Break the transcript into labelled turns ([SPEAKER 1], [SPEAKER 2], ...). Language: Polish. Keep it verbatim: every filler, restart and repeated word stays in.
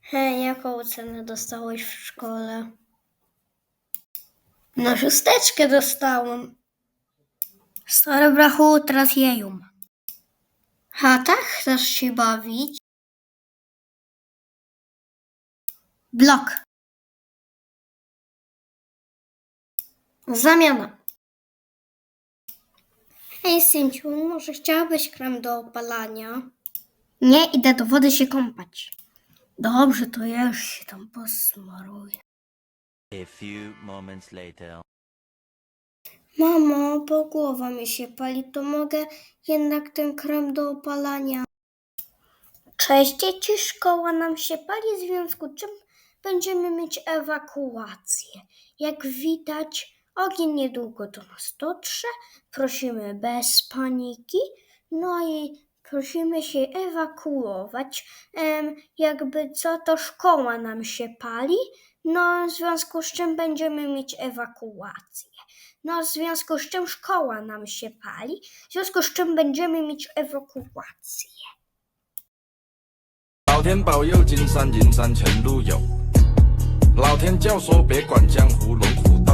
[SPEAKER 1] Hej, jaką ocenę dostałeś w szkole? No szósteczkę dostałem. Stary brachu, teraz jeją. Ha, tak? Chcesz się bawić? Blok. Zamiana. Hej, Synciu, może chciałbyś krem do opalania? Nie, idę do wody się kąpać. Dobrze, to ja już się tam posmaruję.
[SPEAKER 2] A few moments later.
[SPEAKER 1] Mamo, bo głowa mi się pali, to mogę jednak ten krem do opalania. Cześć dzieci, szkoła nam się pali, w związku z czym będziemy mieć ewakuację. Jak widać, ogień niedługo do nas dotrze, prosimy bez paniki, no i prosimy się ewakuować. Ehm, jakby co, to szkoła nam się pali, no w związku z czym będziemy mieć ewakuację. No w związku z czym szkoła nam się pali, w związku z czym będziemy mieć ewakuację.
[SPEAKER 3] 老天保佑，金山银山前路有。老天教唆，别管江湖龙虎斗。